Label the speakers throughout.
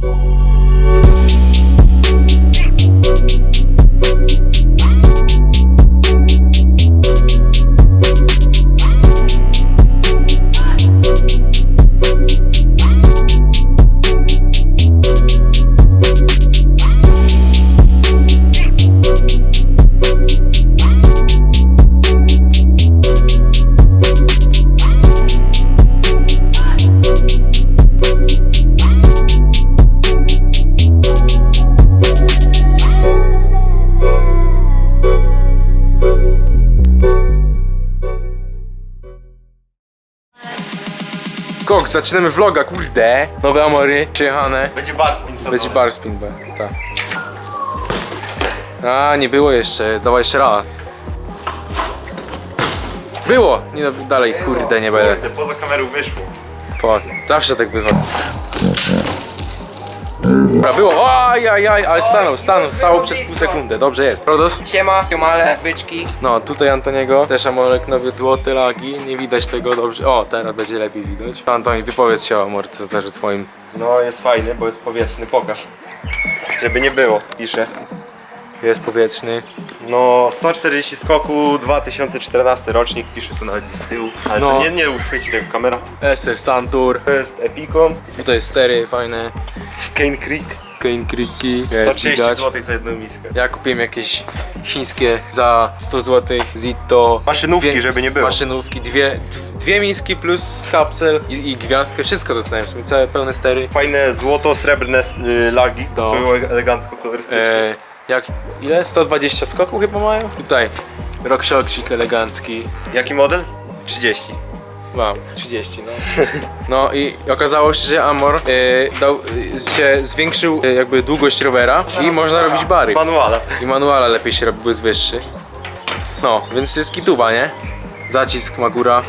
Speaker 1: Koks, zaczynamy vloga, kurde. Nowe Amory, przyjechane.
Speaker 2: Będzie barspin sadzony.
Speaker 1: Będzie barspin, tak. A, nie było jeszcze, dawaj jeszcze raz. Było! Nie, no, dalej, kurde, nie będę.
Speaker 2: Kurde, poza kamerą wyszło.
Speaker 1: Zawsze tak wychodzi. Dobra, było, ajajaj, ale stało przez pół sekundy, dobrze jest. Prodos?
Speaker 3: Siema, siomale, byczki.
Speaker 1: No, tutaj Antoniego, też Amorek nowy, złote lagi, nie widać tego dobrze. O, teraz będzie lepiej widać. Antoni, wypowiedz się o amortyzatorze swoim.
Speaker 2: No jest fajny, bo jest powietrzny, pokaż. Żeby nie było, piszę.
Speaker 1: Jest powietrzny.
Speaker 2: No 140 skoku, 2014 rocznik, piszę tu nawet gdzieś z tyłu. Ale
Speaker 1: No.
Speaker 2: to nie uchwyci tego kamera.
Speaker 1: SR Santur.
Speaker 2: To jest Epicon,
Speaker 1: Tutaj stery fajne.
Speaker 2: Cane Creek.
Speaker 1: Cane Creeki. Jest
Speaker 2: 130
Speaker 1: widać.
Speaker 2: zł za jedną miskę.
Speaker 1: Ja kupiłem jakieś chińskie za 100 zł. Zito.
Speaker 2: Maszynówki, żeby nie było.
Speaker 1: Maszynówki, dwie miski plus kapsel i gwiazdkę. Wszystko dostałem, w sumie całe pełne stery.
Speaker 2: Fajne złoto-srebrne lagi,
Speaker 1: To.
Speaker 2: są elegancko kolorystyczne.
Speaker 1: Ile? 120 skoków chyba mają? Tutaj RockShoxik elegancki.
Speaker 2: Jaki model? 30.
Speaker 1: Mam 30, no. No i okazało się, że Amor zwiększył jakby długość rowera i można robić bary.
Speaker 2: Manuala.
Speaker 1: I manuala lepiej się robi, bo jest wyższy. No, więc jest kituwa, nie? Zacisk Magura,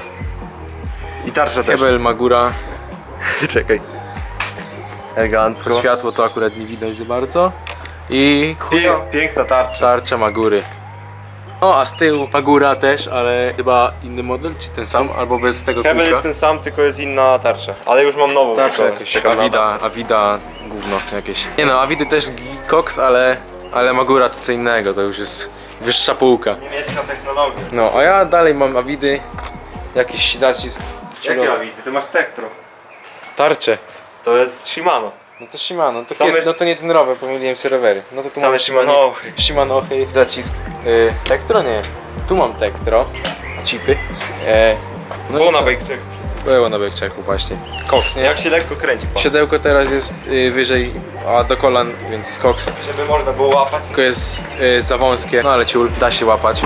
Speaker 2: I tarcza też.
Speaker 1: hebel Magura.
Speaker 2: Czekaj. Elegancko.
Speaker 1: Światło to akurat nie widać za bardzo. I
Speaker 2: Piękna tarcza.
Speaker 1: tarcza Magury. O, a z tyłu Magura też, ale chyba inny model, czy ten sam, albo bez tego
Speaker 2: Hebel
Speaker 1: kółka.
Speaker 2: jest ten sam, tylko jest inna tarcza. Ale już mam nową.
Speaker 1: Tarcza
Speaker 2: taką,
Speaker 1: jakaś,
Speaker 2: przekonana.
Speaker 1: Avida gówno jakieś. Nie no, Avidy też Cox, ale Magura to co innego, to już jest wyższa półka.
Speaker 2: Niemiecka technologia.
Speaker 1: No, a ja dalej mam Avidy, jakiś zacisk.
Speaker 2: Jakie Avidy? Ty masz Tektro.
Speaker 1: Tarcze.
Speaker 2: To jest Shimano.
Speaker 1: No to Shimano, to,
Speaker 2: Same-
Speaker 1: no to nie ten rower, pomyliłem sobie rowery. No to tu
Speaker 2: Same
Speaker 1: mamy
Speaker 2: Shimano.
Speaker 1: Shimano, zacisk. Tektro nie. Tu mam Tektro, chipy. No
Speaker 2: Było
Speaker 1: i
Speaker 2: na
Speaker 1: to.
Speaker 2: bajkczek.
Speaker 1: Było na bajkczeku właśnie. Cox, nie?
Speaker 2: Jak się lekko kręci pan.
Speaker 1: Siodełko teraz jest wyżej, a do kolan, więc jest Cox.
Speaker 2: Żeby można było łapać.
Speaker 1: Tylko jest za wąskie, no ale ciul, da się łapać.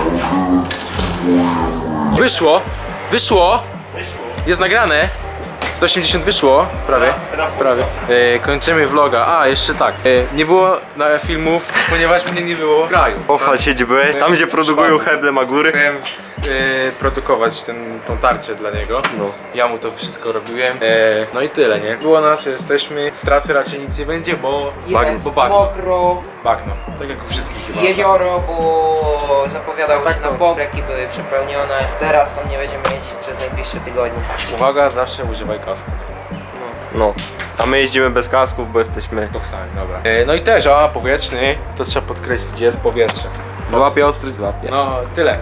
Speaker 1: Wyszło! Wyszło!
Speaker 2: Wyszło.
Speaker 1: Jest nagrane! Do 80 wyszło, prawie. Prawie. Kończymy vloga. A, jeszcze tak. Nie było filmów, ponieważ mnie nie było w kraju.
Speaker 2: Pochwal się, gdzie byłeś. Tam, gdzie produkują heble Magury.
Speaker 1: Miałem produkować tą tarczę dla niego.
Speaker 2: No.
Speaker 1: Ja mu to wszystko robiłem. No i tyle, nie? Było nas, jesteśmy. Z trasy raczej nic nie będzie, bo
Speaker 3: Jest
Speaker 1: bo bagno.
Speaker 3: mokro,
Speaker 1: Bagno. Tak jak u wszystkich chyba.
Speaker 3: jezioro, bo zapowiadało
Speaker 1: Tak
Speaker 3: się
Speaker 1: to-
Speaker 3: na pobreki, były przepełnione. Teraz tam nie będziemy jeździć przez najbliższe tygodnie.
Speaker 1: Uwaga, zawsze używaj kasku.
Speaker 2: No. A my jeździmy bez kasków, bo jesteśmy...
Speaker 1: Koksami, dobra. No i też, powietrzny, to trzeba podkreślić, jest powietrze.
Speaker 2: Złapie ostry, złapie.
Speaker 1: No, tyle.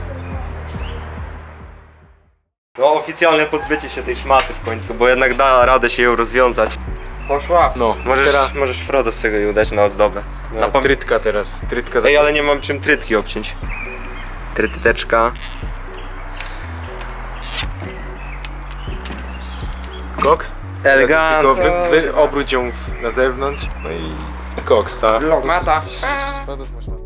Speaker 2: No oficjalne pozbycie się tej szmaty w końcu, bo jednak da radę się ją rozwiązać.
Speaker 3: Poszła.
Speaker 1: No,
Speaker 2: Możesz Frodo z tego ją dać na ozdobę.
Speaker 1: no, trytka teraz, trytka za...
Speaker 2: Ej, ale nie mam czym trytki obciąć. Tryteczka.
Speaker 1: Koks?
Speaker 2: Elegancko.
Speaker 1: Tylko obróć ją na zewnątrz, no i koks, tak?
Speaker 3: Mata.
Speaker 1: Szkoda, smaczna.